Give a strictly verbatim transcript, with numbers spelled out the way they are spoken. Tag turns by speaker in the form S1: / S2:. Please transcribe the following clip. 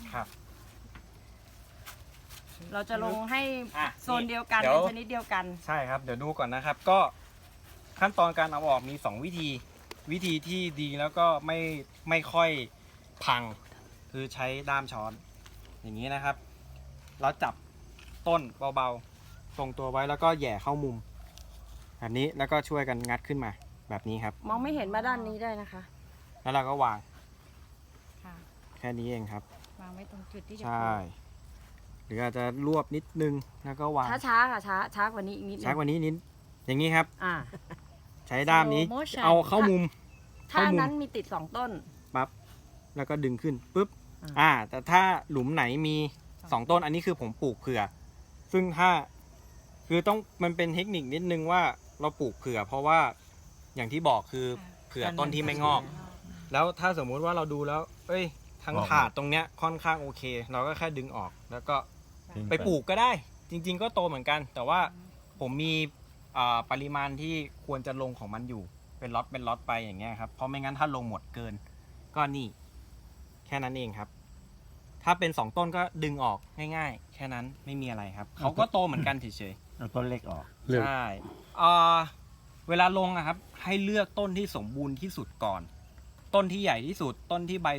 S1: ครับ
S2: เราจะลงให้
S1: อ่ะ
S2: โซนเดียวกัน
S1: เดี๋ยว
S2: เป็นชนิดเดียวกัน
S1: ใช่ครับเดี๋ยวดูก่อนนะครับ ก็ขั้นตอนการเอาออกมีสองวิธี วิธีที่ดีแล้วก็ไม่ไม่ค่อยพัง คือใช้ด้ามช้อน อย่างนี้นะครับ เราจับต้นเบาๆทรงตัวไว้แล้วก็แหย่เข้ามุมแบบนี้แล้วก็ช่วยกันงัดขึ้นมาแบบนี้ครับ
S2: มองไม่เห็นมาด้านนี้ได้นะคะ
S1: แล้วเราก็วาง
S3: ค่ะ
S1: แค่นี้เองครับ
S3: วางไว้ตรงจุดที่จะ
S1: ใช่หรืออาจจะรวบนิดนึงแล้วก็วาง
S2: ช้าช้าๆค่ะช้าช้ากว่านี้อีกนิดนึง
S1: ช้ากว่านี้นิดอย่างนี้ครับ
S2: อ่า
S1: ใช้ด้ามนี้
S3: Slow motion
S1: เอาเข้ามุม
S2: ถ้า
S1: เข้ามุม
S2: นั้นมีติดสองต้น
S1: ปั๊บแล้วก็ดึงขึ้นปุ๊บ
S2: อ่า
S1: อ่า แต่ถ้าหลุมไหนมีสองต้นอันนี้คือผมปลูกเผื่อ ซึ่งถ้าคือต้องมันเป็นเทคนิคนิดนึงว่าเราปลูกเผื่อ เพราะว่าอย่างที่บอกคือเผื่อต้นที่ไม่งอก แล้วถ้าสมมุติว่าเราดูแล้ว เอ้ยทั้ง
S4: งอก
S1: ถาดตรงเนี้ยค่อนข้างโอเค เราก็แค่ดึงออกแล้วก็
S4: ทิ้ง
S1: ไปปลูกก็ได้ จริง ๆ ก็โตเหมือนกัน แต่ว่าผมมีอ่าปริมาณที่ควรจะลงของมันอยู่ เป็นล็อตเป็นล็อตไปอย่างเงี้ยครับเพราะไม่งั้นถ้าลงหมดเกิน ก็นี่ แค่นั้นเองครับ ถ้าเป็นสองต้นก็ดึงออกง่ายๆ แค่นั้นไม่มีอะไรครับเขาก็โตเหมือนกันเฉย
S4: เอาต้นเล็กออก
S1: ๆใช่อ่าเวลาลงอะครับ ให้เลือกต้นที่สมบูรณ์ที่สุดก่อน ต้นที่ใหญ่ที่สุด ต้นที่ใบ